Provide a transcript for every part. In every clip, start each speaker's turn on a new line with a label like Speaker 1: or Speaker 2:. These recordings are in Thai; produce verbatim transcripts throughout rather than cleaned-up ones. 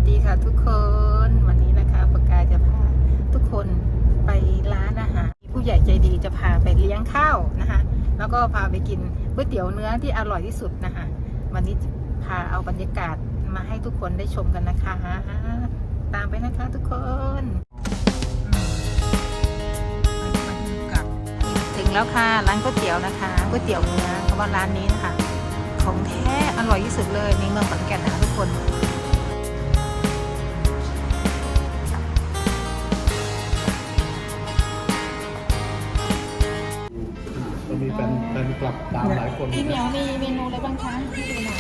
Speaker 1: ดีค่ะทุกคนวันนี้นะคะปากกาจะพาทุกคนไปร้านอาหารผู้ใหญ่ใจดีจะพาไปเลี้ยงข้าวนะคะแล้วก็พาไปกินก๋วยเตี๋ยวเนื้อที่อร่อยที่สุดนะคะวันนี้พาเอาบรรยากาศมาให้ทุกคนได้ชมกันนะคะตามไปนะคะทุกคนถึงแล้วค่ะร้านก๋วยเตี๋ยวนะคะก๋วยเตี๋ยวเนื้อเพราะว่าร้านนี้นะคะของแท้อร่อยที่สุดเลยในเมืองขอนแก่นนะคะทุกคน
Speaker 2: จะมีแฟนแฟนกลับตามหลายคน
Speaker 1: พี่เหมียวมีเมนูอะไรบ้างคะให้ดูหน่อย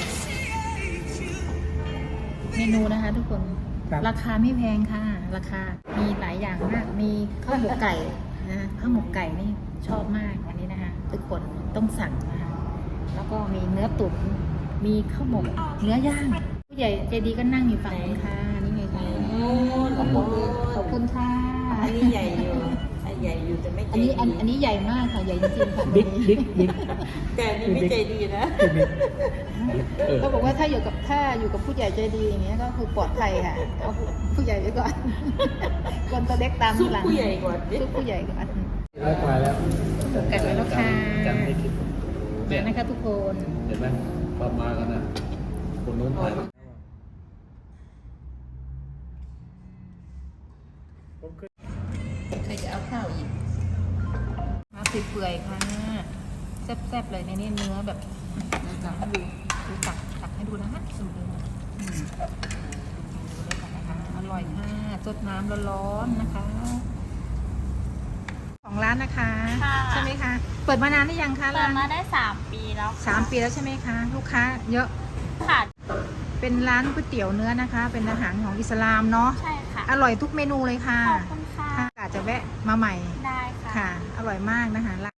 Speaker 1: เมนูนะคะทุกคนราคาไม่แพงค่ะราคามีหลายอย่างมากมีข้าวหมกไก่นะข้าวหมกไก่นี่ชอบมากอันนี้นะคะทุกคนต้องสั่งนะคะแล้วก็มีเนื้อตุ๋นมีข้าวหมกเนื้อย่างผู้ใหญ่ใจดีก็นั่งอยู่ฝั่งนี้ค่ะนี่ไงคะขอบคุณขอบคุณค่ะ
Speaker 3: อันนี้ใหญ่อยู่ใหญ่อยู่แต่ไม่ใจ
Speaker 1: อันนี้
Speaker 3: ดี
Speaker 1: อันอันนี้ใหญ่มากค่ะใหญ่จริงๆค่ะ
Speaker 2: บิ๊กบิ๊กบิ๊ก
Speaker 3: แต่อันนี้ไม่ใจดีนะ
Speaker 2: เออ
Speaker 1: เขาบอกว่าถ้าอยู่กับถ้าอยู่กับผู้ใหญ่ใจดีอย่างเงี้ยก็คือปลอดภัยค่ะเอาผู้ใหญ่ไว้ก่อน คนตัวเล็กตาม
Speaker 3: ซุ
Speaker 1: ที
Speaker 3: ป
Speaker 1: หลัง
Speaker 3: ผู้ใหญ่ก่อนดิ
Speaker 1: ซุปผู้ใหญ่ก่อน
Speaker 2: ได้ไปแล้ว
Speaker 1: กัดไว้แล้วค่ะ
Speaker 2: จำไม่คิด
Speaker 1: มานะคะทุกคน
Speaker 2: เห็นไหมพอมากันนะคนนู้นถ่ายผมเคย
Speaker 1: ใครจะเอาข้าวอีกมาเปื่อยๆค่ะแซ่บๆเลยในนี้เนื้อแบบตักให้ดูดูตักตักให้ดูนะคะสูตรเลยนะอืมดูเลยค่ะนะคะอร่อยค่ะสดน้ำร้อนๆนะคะของร้านนะคะ
Speaker 4: ค่ะ
Speaker 1: ใช่ไหมคะเปิดมานานหรือยังคะ
Speaker 4: เปิ
Speaker 1: ร้า
Speaker 4: ด
Speaker 1: น
Speaker 4: มาได้สามปีแล้วค่ะ
Speaker 1: สามปีแล้วใช่ไหมคะลูกค้าเยอะ
Speaker 4: ค่ะ
Speaker 1: เป็นร้านก๋วยเตี๋ยวเนื้อนะคะ เป็นอาหารของอิสลามเนาะ
Speaker 4: ใช่ค่ะ
Speaker 1: อร่อยทุกเมนูเลยค่ะ
Speaker 4: ขอบคุณค่ะ
Speaker 1: ค่ะอาจจะแวะมาใหม่
Speaker 4: ได้ค่ะ
Speaker 1: ค่ะ อร่อยมากนะคะ